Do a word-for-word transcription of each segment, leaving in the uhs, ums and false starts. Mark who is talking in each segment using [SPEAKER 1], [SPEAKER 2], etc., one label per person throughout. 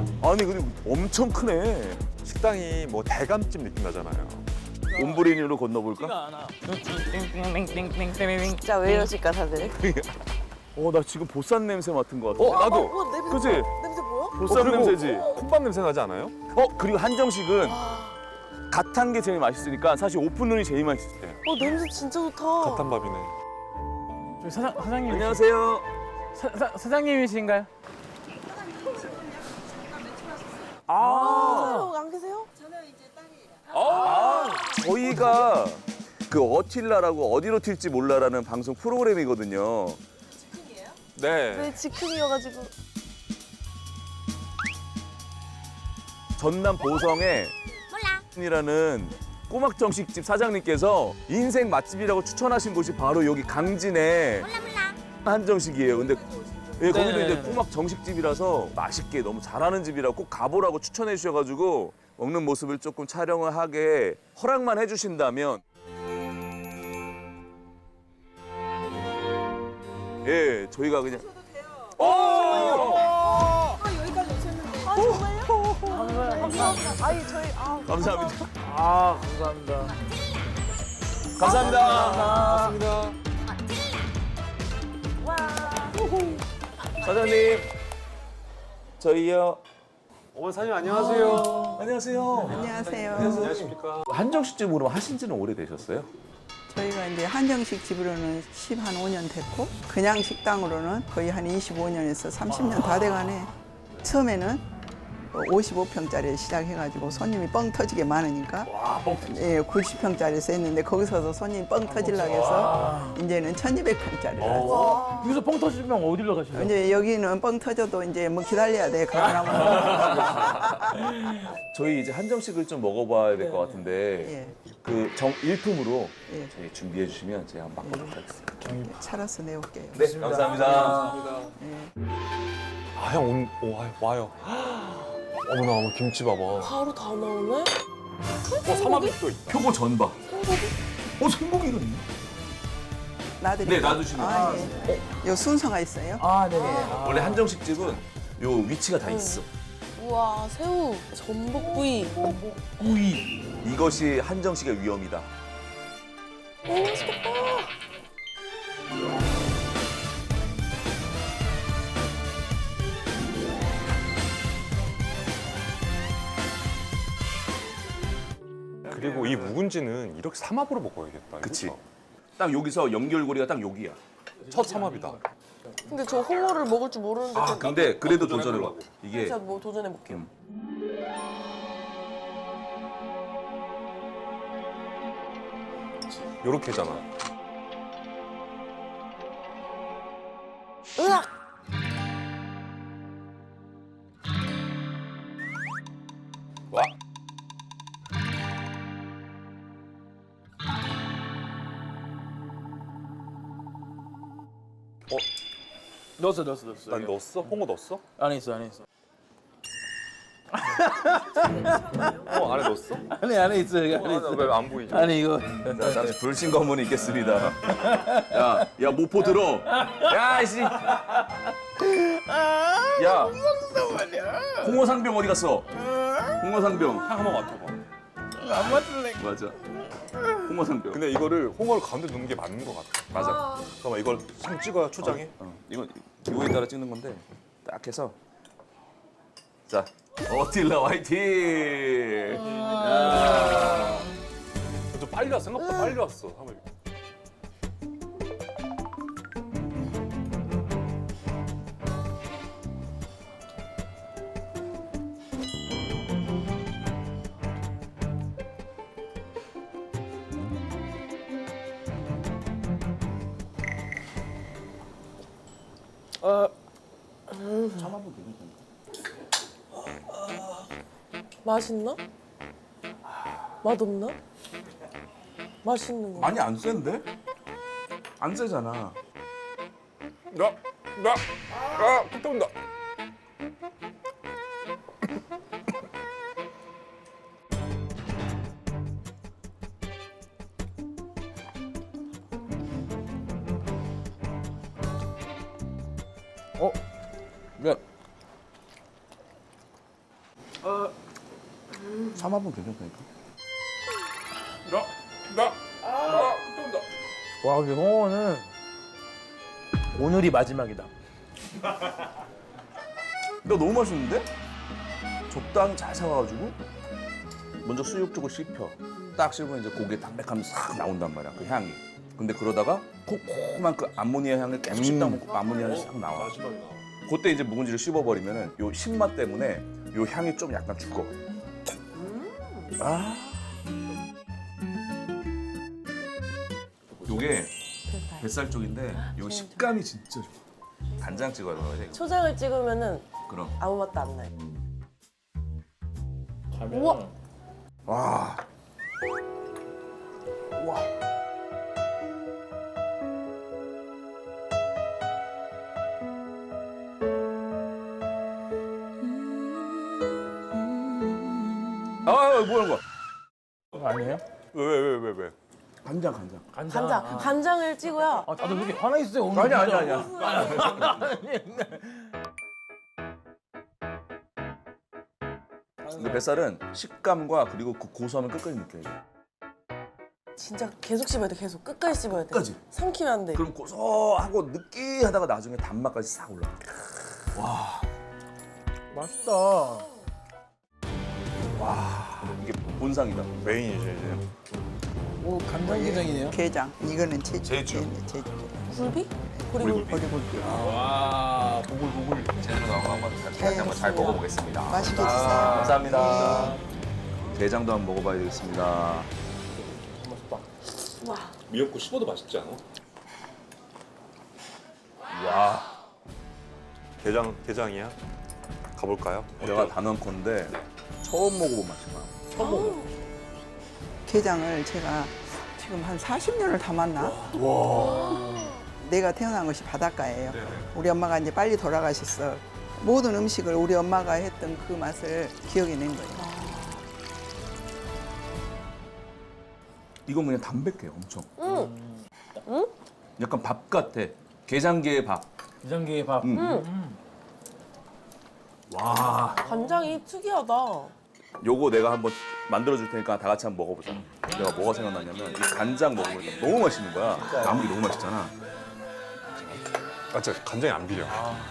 [SPEAKER 1] 아니 근데 엄청 크네.
[SPEAKER 2] 식당이 뭐 대감집 느낌 나잖아요.
[SPEAKER 1] 옴브리니로 건너볼까?
[SPEAKER 3] 진짜 왜 이러실까 다들?
[SPEAKER 1] 어, 나 지금 보쌈 냄새 맡은 것 같아.
[SPEAKER 2] 어, 나도.
[SPEAKER 3] 어, 냄새
[SPEAKER 1] 그치?
[SPEAKER 3] 뭐야? 냄새 뭐야?
[SPEAKER 1] 보쌈
[SPEAKER 2] 그리고
[SPEAKER 1] 냄새지.
[SPEAKER 2] 콧밥 냄새 나지 않아요?
[SPEAKER 1] 어, 그리고 한정식은 갓 한 게 제일 맛있으니까 사실 오픈 룬이 제일 맛있을 때.
[SPEAKER 3] 어 냄새 진짜 좋다.
[SPEAKER 2] 갓한 밥이네.
[SPEAKER 4] 저기 사장, 사장님.
[SPEAKER 1] 안녕하세요.
[SPEAKER 4] 사, 사, 사장님이신가요?
[SPEAKER 1] 아,
[SPEAKER 3] 어, 안 계세요?
[SPEAKER 1] 저희가 그 어틸라라고 어디로 튈지 몰라라는 방송 프로그램이거든요.
[SPEAKER 2] 네.
[SPEAKER 3] 네 즉흥이어가지고.
[SPEAKER 1] 전남 보성에 이라는 꼬막 정식집 사장님께서 인생 맛집이라고 추천하신 곳이 바로 여기 강진의 한정식이에요. 근데 예, 거기도
[SPEAKER 4] 네네네.
[SPEAKER 1] 이제 꼬막 정식집이라서 맛있게 너무 잘하는 집이라고 꼭 가보라고 추천해 주셔가지고 먹는 모습을 조금 촬영을 하게 허락만 해주신다면 예, 저희가 그냥
[SPEAKER 3] 아 정말요? 감사합니다. 아니 저희 아
[SPEAKER 1] 감사합니다.
[SPEAKER 4] 아, 감사합니다.
[SPEAKER 1] 감사합니다.
[SPEAKER 2] 맞습니다.
[SPEAKER 1] 사장님, 저희요.
[SPEAKER 2] 어머니 사장님 안녕하세요.
[SPEAKER 1] 안녕하세요.
[SPEAKER 5] 안녕하세요.
[SPEAKER 2] 안녕하십니까.
[SPEAKER 1] 한정식집으로 하신 지는 오래되셨어요?
[SPEAKER 5] 저희가 이제 한정식 집으로는 십오 년 됐고 그냥 식당으로는 거의 한 이십오 년에서 삼십 년 다 돼가네. 처음에는 오십오 평짜리 시작해가지고 손님이 뻥 터지게 많으니까 예, 구십 평짜리에서 했는데 거기서도 손님이 뻥 터지려고 해서 이제는 천이백 평짜리를 하죠.
[SPEAKER 4] 여기서 뻥 터지면 어디로 가시나요?
[SPEAKER 5] 이제 여기는 뻥 터져도 이제 뭐 기다려야 돼. 그러면
[SPEAKER 1] 저희 이제 한정식을 좀 먹어봐야 될 것 같은데
[SPEAKER 5] 예,
[SPEAKER 1] 그 정 일품으로
[SPEAKER 5] 예.
[SPEAKER 1] 저희 준비해 주시면 제가 한번 맛보도록 하겠습니다.
[SPEAKER 5] 차려서 내올게요.
[SPEAKER 1] 네, 감사합니다.
[SPEAKER 2] 아, 형 온, 오, 아, 와요. 어머나, 어머, 김치 봐봐. 어,
[SPEAKER 3] 바로 다 나오네.
[SPEAKER 2] 삼합도 있다.
[SPEAKER 1] 표고 전바. 어, 생고기가 있네.
[SPEAKER 5] 놔드릴게요.
[SPEAKER 1] 네, 놔두시면
[SPEAKER 5] 아, 예. 요 순서가 있어요.
[SPEAKER 4] 아, 네네. 아.
[SPEAKER 1] 원래 한정식집은 요 위치가 다 있어.
[SPEAKER 3] 우와 새우, 전복구이.
[SPEAKER 1] 구이. 이것이 한정식의 위험이다.
[SPEAKER 3] 오 맛있겠다.
[SPEAKER 2] 그리고 이 묵은지는 이렇게 삼합으로 먹어야겠다.
[SPEAKER 1] 그치.
[SPEAKER 2] 그쵸?
[SPEAKER 1] 딱 여기서 연결고리가 딱 여기야.
[SPEAKER 2] 첫 삼합이다.
[SPEAKER 3] 근데 저 홍어를 먹을 줄 모르는데
[SPEAKER 1] 아,
[SPEAKER 3] 좀
[SPEAKER 1] 근데 그래도 도전해봐. 이게
[SPEAKER 3] 제가 뭐 도전해 볼게요.
[SPEAKER 2] 요렇게잖아.
[SPEAKER 3] 으악!
[SPEAKER 2] 와.
[SPEAKER 4] 넣었어, 넣었어, 넣었어.
[SPEAKER 2] 난 넣었어? 홍어 넣었어?
[SPEAKER 4] 안에 있어, 안에 있어.
[SPEAKER 2] 어, 안에 넣었어?
[SPEAKER 4] 안에, 안에 있어, 여기 안에 있어.
[SPEAKER 2] 왜 안 보이지?
[SPEAKER 4] 아니, 이거.
[SPEAKER 1] 자, 잠시 불신 검문이 있겠습니다. 야, 야 모포 들어. 야, 이씨. 야. 홍어상병 어디 갔어? 홍어상병.
[SPEAKER 2] 향 한번 맡아봐.
[SPEAKER 4] 안 맞을래.
[SPEAKER 1] 맞아. 홍어상병.
[SPEAKER 2] 근데 이거를 홍어를 가운데 넣는 게 맞는 것 같아.
[SPEAKER 1] 맞아.
[SPEAKER 2] 잠깐만, 이걸 상 찍어야 초장에?
[SPEAKER 1] 어, 이건 기호에 따라 찍는 건데 딱 해서 자 어틸라 화이팅. 야.
[SPEAKER 2] 좀 빨리 왔어. 생각보다 빨리 왔어. 한번.
[SPEAKER 3] 어, 맛있나? 맛없나? 맛있는 거.
[SPEAKER 1] 많이 안 센데? 안 세잖아.
[SPEAKER 2] 나, 나, 아, 또 온다.
[SPEAKER 4] 어? 면.
[SPEAKER 1] 삼합은 괜찮다니까.
[SPEAKER 4] 와 근데 홍어는 오늘이 마지막이다.
[SPEAKER 1] 너 너무 맛있는데? 적당히 잘 사와가지고 먼저 수육 쪽을 씹혀. 딱 씹으면 이제 고기의 담백함이 싹 나온단 말이야, 그 향이. 근데 그러다가 콤콤한 그 암모니아 향을 계속 씹다 보면 그 암모니아 향이 싹 나와. 그때 이제 묵은지를 씹어버리면은 요 신맛 때문에 요 향이 좀 약간 죽어. 아. 요게 뱃살 쪽인데 요 식감이 진짜 좋아. 간장 찍어야 돼.
[SPEAKER 3] 초장을 찍으면은
[SPEAKER 1] 그럼.
[SPEAKER 3] 아무 맛도 안 나요.
[SPEAKER 4] 우와.
[SPEAKER 1] 와. 와. 아, 뭐야 이거?
[SPEAKER 4] 아니에요?
[SPEAKER 2] 왜 왜 왜 왜 왜?
[SPEAKER 1] 간장, 간장.
[SPEAKER 4] 간장.
[SPEAKER 3] 간장,
[SPEAKER 4] 아,
[SPEAKER 3] 간장을 찍어야
[SPEAKER 4] 아, 다들 왜 이렇게 화나 있어요 오늘?
[SPEAKER 1] 아니야, 아니야,
[SPEAKER 4] 진짜.
[SPEAKER 1] 아니야. 근데 뱃살은 식감과 그리고 그 고소함을 끝까지 느껴야 돼.
[SPEAKER 3] 진짜 계속 씹어야 돼. 계속 끝까지 씹어야 돼.
[SPEAKER 1] 끝까지.
[SPEAKER 3] 삼키면 안 돼.
[SPEAKER 1] 그럼 고소하고 느끼하다가 나중에 단맛까지 싹 올라가.
[SPEAKER 4] 맛있다.
[SPEAKER 1] 이게 본상이다.
[SPEAKER 2] 메인이죠 이제.
[SPEAKER 4] 오 간장게장이네요.
[SPEAKER 5] 게장. 이거는 제주.
[SPEAKER 2] 제주.
[SPEAKER 5] 네, 제주.
[SPEAKER 3] 굴비? 그리고
[SPEAKER 5] 보리굴비.
[SPEAKER 4] 와 보글보글.
[SPEAKER 1] 제대로 한번 다시 한번 잘 먹어보겠습니다.
[SPEAKER 5] 맛있게 드세요.
[SPEAKER 1] 감사합니다. 게장도 한번 먹어봐야 되겠습니다.
[SPEAKER 3] 와.
[SPEAKER 2] 미역국 씹어도 맛있지 않아?
[SPEAKER 1] 와,
[SPEAKER 2] 게장 게장이야? 가볼까요?
[SPEAKER 1] 내가 단언컨대 처음 먹어본 맛이야.
[SPEAKER 4] 처음 먹어.
[SPEAKER 5] 게장을 제가 지금 한 사십 년을 담았나? 내가 태어난 것이 바닷가예요. 우리 엄마가 이제 빨리 돌아가셨어. 모든 음식을 우리 엄마가 했던 그 맛을 기억해낸 거예요.
[SPEAKER 1] 이건 그냥 담백해, 엄청.
[SPEAKER 3] 응. 응?
[SPEAKER 1] 약간 밥 같아. 게장게의 밥.
[SPEAKER 4] 게장게 밥.
[SPEAKER 1] 음. 와,
[SPEAKER 3] 간장이 특이하다.
[SPEAKER 1] 요거 내가 한번 만들어줄 테니까 다 같이 한번 먹어보자. 내가 뭐가 생각났냐면 이 간장 먹으면 너무 맛있는 거야. 나물이 너무 맛있잖아.
[SPEAKER 2] 아 진짜 간장이 안 비려.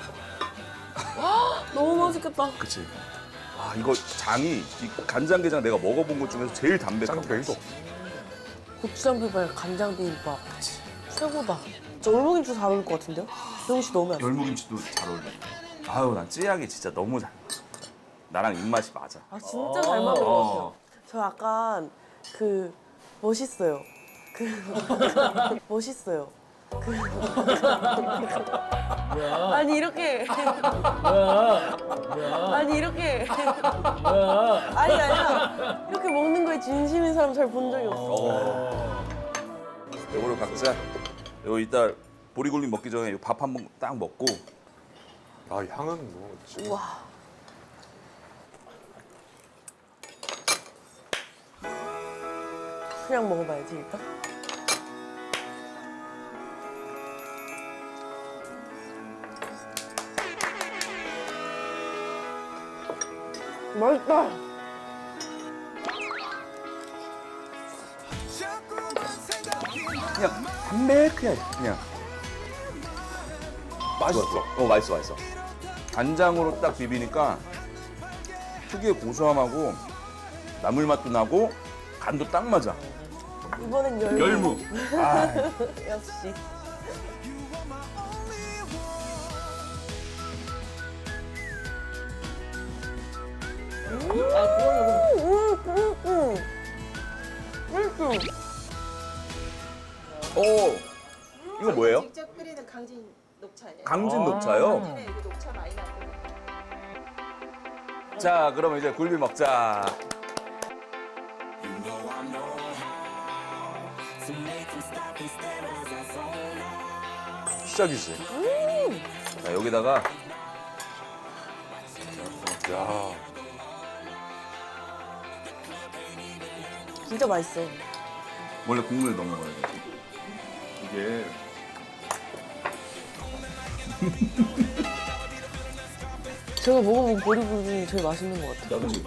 [SPEAKER 3] 너무 맛있겠다.
[SPEAKER 1] 그치? 아, 이거 장이 이 간장게장 내가 먹어본 것 중에서 제일 담백하고.
[SPEAKER 2] 짱 별도
[SPEAKER 3] 고추장 비빔밥, 간장 비빔밥. 최고다. 저 올무김치 잘 어울릴 것 같은데요? 병씨 넣으면 안 돼.
[SPEAKER 1] 열무김치도 잘 어울려. 아유, 난 찌약이 진짜 너무 잘. 나랑 입맛이 맞아.
[SPEAKER 3] 아 진짜 잘 맞는 것 같아요. 저 약간 그 멋있어요. 그 멋있어요. 그 아니 이렇게 아니 이렇게 아니 아니야 이렇게 먹는 거에 진심인 사람 잘 본 적이 없어.
[SPEAKER 1] 요거를 각자 요 이따 보리굴비 먹기 전에 밥 한 번 딱 먹고.
[SPEAKER 2] 아 향은 뭐 지금
[SPEAKER 3] 와. 그냥 먹어봐야지 일단. 맛있다.
[SPEAKER 1] 그냥 담백해 그냥.
[SPEAKER 2] 맛있어.
[SPEAKER 1] 어, 맛있어, 맛있어. 간장으로 딱 비비니까 특유의 고소함하고 나물 맛도 나고 간도 딱 맞아.
[SPEAKER 3] 이번엔 열무.
[SPEAKER 1] 열무. 아,
[SPEAKER 3] 역시.
[SPEAKER 1] 오, 이거 뭐예요?
[SPEAKER 6] 직접 끓이는 강진 녹차예요.
[SPEAKER 1] 강진 녹차요?
[SPEAKER 6] 네, 이거 녹차 많이 나거든요.
[SPEAKER 1] 자, 그러면 이제 굴비 먹자.
[SPEAKER 2] 시작이지.
[SPEAKER 1] 자, 여기다가
[SPEAKER 2] 야
[SPEAKER 3] 진짜 맛있어.
[SPEAKER 1] 원래 국물에 넣어 먹어야 돼. 이게
[SPEAKER 3] 제가 먹어본 보리굴비 중에 제일 맛있는 것 같아요.
[SPEAKER 1] 그렇지.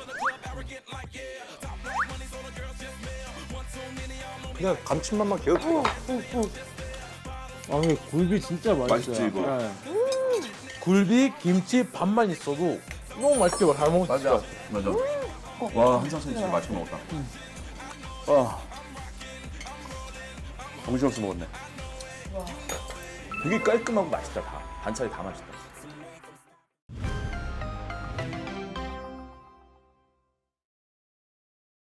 [SPEAKER 2] 그냥 감칠맛만 계속 들어.
[SPEAKER 4] 아, 근데 굴비 진짜 맛있어요.
[SPEAKER 1] 맛있지, 이거?
[SPEAKER 4] 네. 굴비, 김치, 밥만 있어도 너무 맛있게 잘 먹을 수 있어요.
[SPEAKER 1] 맞아. 와, 한상선 진짜 맛있게 먹었다. 와. 정신없이 먹었네. 되게 깔끔하고 맛있다, 다. 반찬이 다 맛있다.